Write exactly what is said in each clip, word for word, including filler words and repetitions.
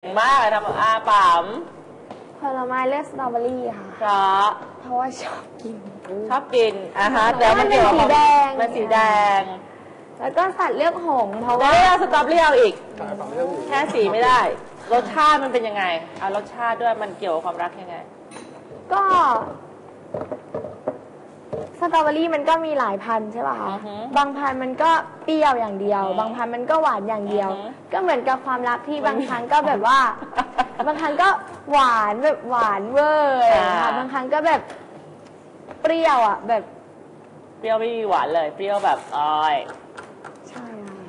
มากทำอาป๋ามผลไม้เลือกสตรอเบอรี่ค่ะเพราะเพราะว่าชอบกินชอบกินอ่ะฮะแต่มันเป็นสีแดงมันสีแดงแล้วก็สัตว์เลือกหงเพราะว่าไม่เอาสตรอเบอรี่เอาอีกแค่สีไม่ได้รสชาติมันเป็นยังไงเอารสชาติด้วยมันเกี่ยวกับความรักยังไงก็สตรอเบอรี่มันก็มีหลายพันธุ์ใช่ป่ะคะบางพันธุ์มันก็เปรี้ยวอย่างเดียวบางพันธุ์มันก็หวานอย่างเดียวก็เหมือนกับความรักที่บางครั้งก็แบบว่าบางครั้งก็หวานแบบหวานเวอร์ค่ะบางครั้งก็แบบเปรี้ยวอ่ะแบบเปรี้ยวไม่มีหวานเลยเปรี้ยวแบบอ้อยใช่ค่ะ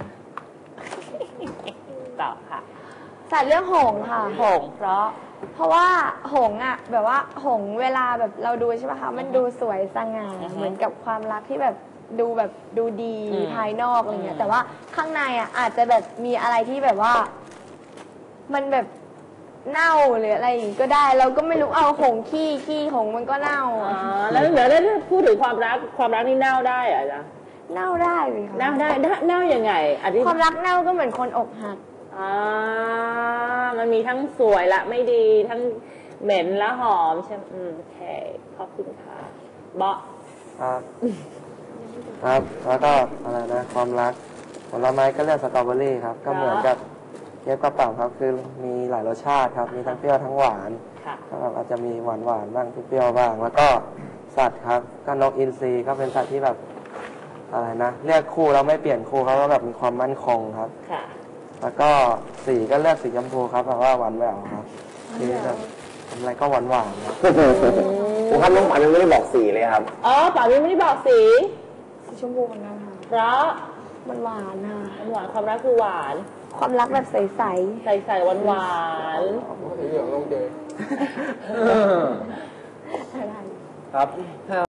ต่อค่ะสัตว์เรื่องหงค่ะหงเพราะเพราะว่าหงอ่ะแบบว่าหงเวลาแบบเราดูใช่ป่ะคะมันดูสวยสง่าเหมือนกับความรักที่แบบดูแบบดูดีภายนอกอะไรเงี้ยแต่ว่าข้างในอ่ะอาจจะแบบมีอะไรที่แบบว่ามันแบบเน่าหรืออะไรอย่างงี้ก็ได้เราก็ไม่รู้เอาหงขี้ขี้หงมันก็เน่าอ๋อแล้วเดี๋ยวแล้วพูดถึงความรักความรักนี่เน่าได้เหรอจ๊ะเน่าได้เลยค่ะเน่าได้เน่ายังไงความรักเน่าก็เหมือนคนอกหักอ่ามันมีทั้งสวยและไม่ดีทั้งเหม็นและหอมใช่ไหมอืมโอเคขอบคุณค่ะเบาะครับครับแล้วก็อะไรนะความรักผลไม้ก็เลือกสตรอเบอรี่ครับก็เหมือนกับเย็บกระเป๋าครับคือมีหลายรสชาติครับมีทั้งเปรี้ยวทั้งหวานครับอาจจะมีหวานหวานบ้างเปรี้ยวบ้างแล้วก็สัตว์ครับก็นกอินทรีก็เป็นสัตว์ที่แบบอะไรนะเลือกคู่แล้วไม่เปลี่ยนคู่เขาก็แบบมีความมั่นคงครับแล้วก็สีก็เลือกสีชมพูครับเพราะว่าหวานแหววครับคือแบบทำอะไรก็หวานหวานครับผมครับน้องป๋ายังไม่ได้บอกสีเลยครับอ๋อป๋ายังไม่ได้บอกสีสีชมพูเหมือนกันค่ะเพราะมันหวานค่ะมันหวานความรักคือหวานความรักแบบใสใสใสใสหวานหวานสีเหลืองลงเจครับ